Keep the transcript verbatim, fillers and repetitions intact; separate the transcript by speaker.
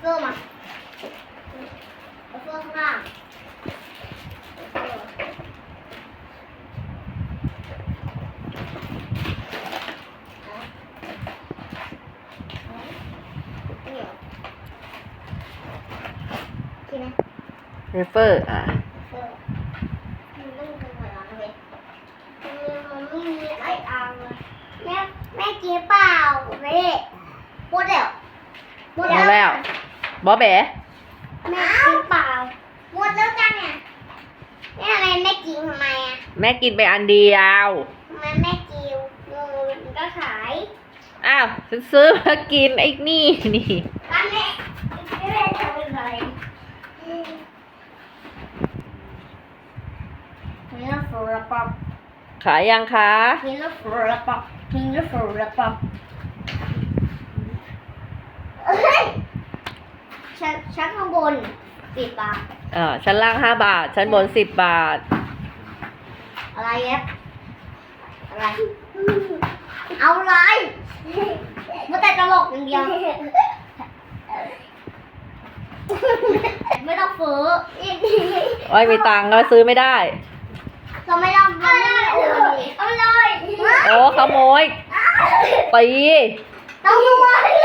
Speaker 1: เสื้อมาเอาเสื้อข้างล่าง
Speaker 2: เวเฟอร์อ่ะ
Speaker 1: แม่แม่กินเปล่าแม่หมดแล้วหมด
Speaker 2: เอา
Speaker 1: แล้ว
Speaker 2: แล้วบอแบะ
Speaker 1: แม่กินเปล่าหมดแล้วจังอ่ะแม่ทำไมแม่กินทำไมอ่ะ
Speaker 2: แม่กินไปอันเดียว
Speaker 1: ทำไมแม่กินงูมันก็ขาย
Speaker 2: อ้าวฉันซื้อมากินไอ้นี่นี่
Speaker 1: บ้านแม่แม่ทำอะไรนี่เราฟูระปอบ
Speaker 2: ขายยังคะ
Speaker 1: นี่เราฟูระปอบนี่เราฟูระปอบเอ้ยชั้นชั้นข้างบนปิดปาก
Speaker 2: เออชั้นล่างห้าบาท ชั้นบนสิบบาท
Speaker 1: อะไรเย็บอะไรเอาอะไรมาแต่ตลกอย่างเดียวไม่ต้องฟื้อ
Speaker 2: โอ้ยมีตังค์ก็ซื้อไม่ได้
Speaker 1: เราไม่ต้องเอาเลยเอาเลย
Speaker 2: โอ้ขโมยตี
Speaker 1: ต้องด้วย